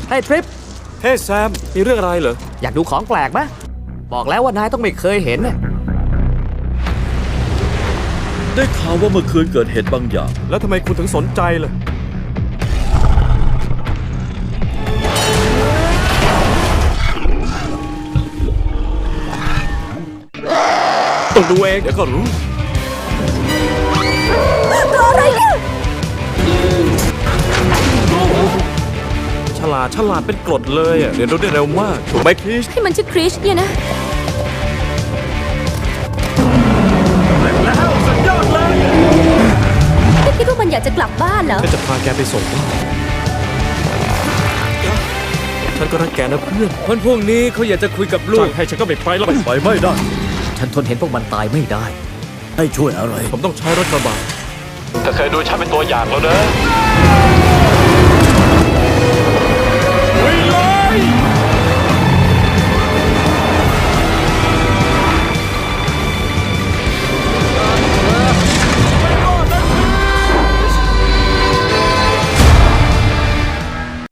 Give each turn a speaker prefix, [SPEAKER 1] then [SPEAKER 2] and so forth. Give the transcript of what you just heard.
[SPEAKER 1] ให้ทริป
[SPEAKER 2] เฮ้แซมมีเรื่องอะไรเหรอ
[SPEAKER 1] อยากดูของแปลกไหมบอกแล้วว่านายต้องไม่เคยเห็นน่ะ
[SPEAKER 3] ได้ข่าวว่าเมื่อคืนเกิดเหตุบางอย่าง
[SPEAKER 2] แล้วทำไมคุณถึงสนใจล่ะต้องดูเองเดี๋ยวก็รู้
[SPEAKER 4] ตัวอะไรเนี่ย
[SPEAKER 2] ฉลาดเป็นกรดเลยอ่ะเรียนรู้ได้เร็วมากถูกไหมคริส
[SPEAKER 4] ให้มันชื่อคริชเนี่ยนะ
[SPEAKER 2] แล้วสุดยอดเลย
[SPEAKER 4] ไม่คิดว่ามันอยากจะกลับบ้านเหรอ
[SPEAKER 2] ฉันจะพาแกไปส่งบ้านฉันก็รักแกนะเพื่อน
[SPEAKER 3] วันพรุ่งนี้เขาอยากจะคุยกับลู
[SPEAKER 2] จ้าก งให้ฉันก็ไม่ไปแล้ว
[SPEAKER 3] ไปไม่ได้
[SPEAKER 1] ฉันทนเห็นพวกมันตายไม่ได้
[SPEAKER 3] ให้ช่วยอะไร
[SPEAKER 2] ผมต้องใช้รถกระบะเธอเคยดูฉันเป็นตัวอย่างแล้วนะ